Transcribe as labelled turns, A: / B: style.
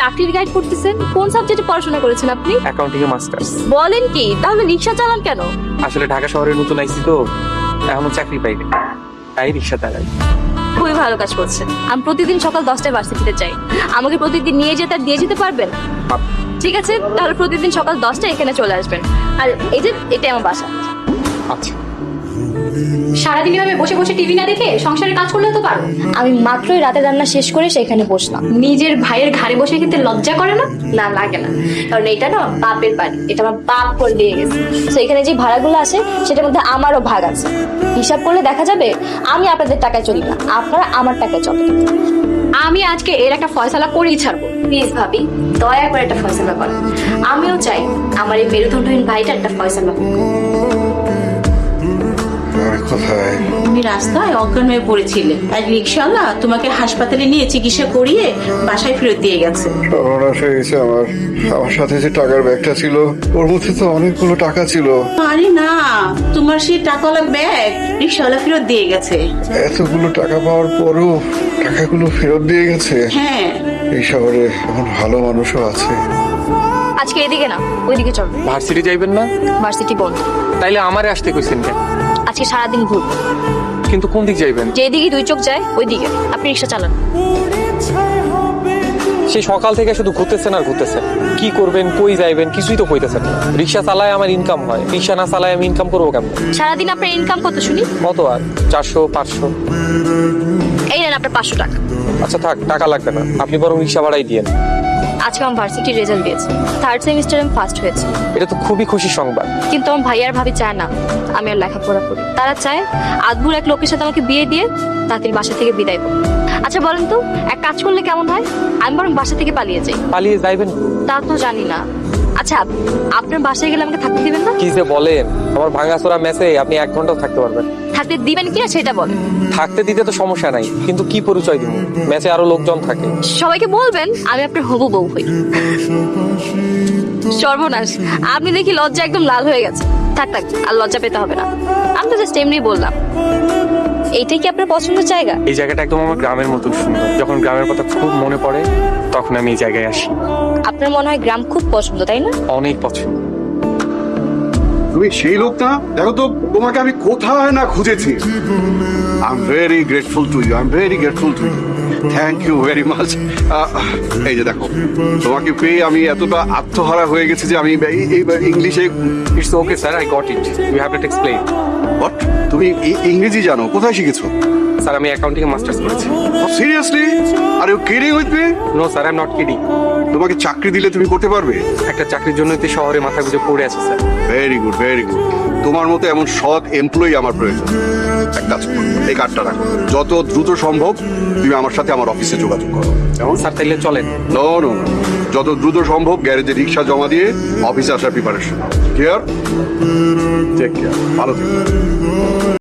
A: চাকরির গাইড করতেছেন? কোন সাবজেক্টে পড়াশোনা করেছেন আপনি?
B: অ্যাকাউন্টিং এ মাস্টার্স।
A: বলেন কি? তাহলে রিক্সা চালান কেন?
B: আসলে ঢাকা শহরে নতুন আইছি তো, এখনো চাকরি পাইনি, তাই রিক্সা চালাই।
A: খুবই ভালো কাজ করছেন। আমি প্রতিদিন সকাল 10টায় ভার্সিটিতে যাই। আমাকে প্রতিদিন নিয়ে যেতে আর দিয়ে যেতে পারবেন? ঠিক আছে, তাহলে প্রতিদিন সকাল 10টায় এখানে চলে আসবেন। আর এই যে এটা আমার বাসা।
B: আচ্ছা,
A: সারাদিন এভাবে বসে বসে টিভি না দেখে সংসারের কাজ করলে তো পারো। আমি মাত্রই রাতে রান্না শেষ করে সেখানে বসলাম। নিজের ভাইয়ের ঘাড়ে বসে খেতে লজ্জা করে না? না, লাগে না, কারণ এটা না বাপের বাড়ি, এটা আমার বাপ করে দিয়ে গেছে। তো এখানে যে ভাড়াগুলো আসে সেটার মধ্যে আমারও ভাগ আছে। হিসাব করলে দেখা যাবে আমি আপনাদের টাকায় চলি না, আপনারা আমার টাকায় চলেন। আমি আজকে এর একটা ফয়সালা করেই ছাড়বো। প্লিজ ভাবি, দয়া করে একটা ফয়সালা করেন। আমিও চাই আমার এই মেরুদণ্ডহীন ভাইটা একটা ফয়সালা হোক।
C: কোথায়?
D: তুমি রাস্তায় অজ্ঞান হয়ে পড়েছিলে, আর রিক্সাওয়ালা তোমাকে হাসপাতালে নিয়ে চিকিৎসা করিয়ে বাসায় ফেরত দিয়ে গেছে।
C: সর্বনাশ হয়ে গেছে আমার। আমার সাথে যে টাকার ব্যাগটা ছিল ওর মধ্যে তো অনেকগুলো টাকা ছিল।
D: আরে না, তোমার সেই টাকাওয়ালা ব্যাগ রিক্সাওয়ালা ফেরত দিয়ে গেছে।
C: এতগুলো টাকা পাওয়ার পরও টাকাগুলো ফেরত দিয়ে গেছে।
D: হ্যাঁ,
C: এই শহরে এমন ভালো মানুষও আছে।
A: আজকে এদিকে না ওইদিকে চল।
B: ভার্সিটি যাইবেন না?
A: ভার্সিটি বন্ধ।
B: তাইলে আমারে আসতে কইছেন কেন?
A: আজকে সারাদিন ঘুরবো।
B: কিন্তু কোন দিক যাইবেন?
A: যেদিকে দুই চোখ যায় ওই দিকে। আপনি রিক্সা চালান।
B: সে সকাল থেকে শুধু ঘুরতেছেন আর ঘুরতেছেন। কি করবেন, কই যাইবেন, কিছুই তো কইতেছেন না। রিক্সা চালায় আমার ইনকাম হয়, রিক্সা না চালায় আমি ইনকাম করবো কেমন?
A: সারাদিন আপনার ইনকাম কত শুনি?
B: কত আর 400 500।
A: এই নেন আপনার 500 টাকা।
B: আচ্ছা থাক, টাকা লাগবে না, আপনি বরং রিক্সা ভাড়াই দিয়েন।
A: আজকে আমার ভার্সিটির রেজাল্ট দিয়েছে। 3rd সেমিস্টারে আমি ফার্স্ট হয়েছি।
B: এটা তো খুবই খুশির সংবাদ।
A: কিন্তু আমার ভাই আর ভাবি চায় না আমি আর লেখাপড়া করি। তারা চায় আদভুর এক লোকের সাথে আমাকে বিয়ে দিয়ে তাদের বাসা থেকে বিদায় করো। আচ্ছা বলেন তো, এক কাজ করলে কেমন হয়? আমি বরং বাসা থেকে পালিয়ে যাই।
B: পালিয়ে যাইবেন?
A: তা তো জানি না। আচ্ছা, আপনার বাসায় গেলে আমাকে থাকতে দিবেন না?
B: কি যে বলেন, আমার ভাঙাচোরা মেসে আপনি 1 ঘন্টাও থাকতে পারবেন।
A: থাকতে দিবেন কিনা সেটা বলেন।
B: থাকতে দিতে তো সমস্যা নাই, কিন্তু কি পরিচয় দিব? মেসে আরো লোকজন থাকে।
A: সবাইকে বলবেন আমি আপনার হবু বউ হই। সর্বনাশ, আপনি দেখি লজ্জা একদম লাল হয়ে গেছে। থাক থাক, আর লজ্জা পেতে হবে না। আমি তো জাস্ট এমনি বললাম। এইটাই কি আপনার পছন্দের জায়গা?
B: এই জায়গাটা একদম আমার গ্রামের মতো সুন্দর। যখন গ্রামের কথা খুব মনে পড়ে তখন আমি এই জায়গায় আসি।
A: আপনার মনে হয় গ্রাম খুব পছন্দ, তাই না?
B: অনেক পছন্দ।
E: তুমি সেই লোক না? দেখো তো তোমাকে আমি কোথায় না খুঁজেছি। I am very grateful to you, I am very grateful to you, thank you very much. এই যে দেখো, তোমাকে পেয়ে আমি এতটা আত্মহারা হয়ে গেছি যে আমি ইংলিশে।
B: It's okay sir, I got it, you have to explain.
E: What? তুমি ইংরেজি জানো? কোথায় শিখেছো?
B: স্যার আমি অ্যাকাউন্টিং এ মাস্টার্স করেছি।
E: Seriously? Are you kidding with me?
B: No sir, I am not kidding.
E: তোমাকে চাকরি দিলে তুমি করতে পারবে?
B: একটা চাকরির জন্যই তো শহরে মাথা গুঁজে পড়ে আছে sir.
E: Very good, very good. তোমার মতো এমন সৎ এমপ্লয়ি আমার প্রয়োজন। এক কাজ করো, এই কার্ডটা রাখো। যত দ্রুত সম্ভব তুমি আমার সাথে আমার অফিসে যোগাযোগ করো।
B: স্যার তাইলে চলেন।
E: নো নো, যত দ্রুত সম্ভব গ্যারেজে রিক্সা জমা দিয়ে অফিসে আসার প্রিপারেশন। ক্লিয়ার? টেক কেয়ার, ভালো থেকো।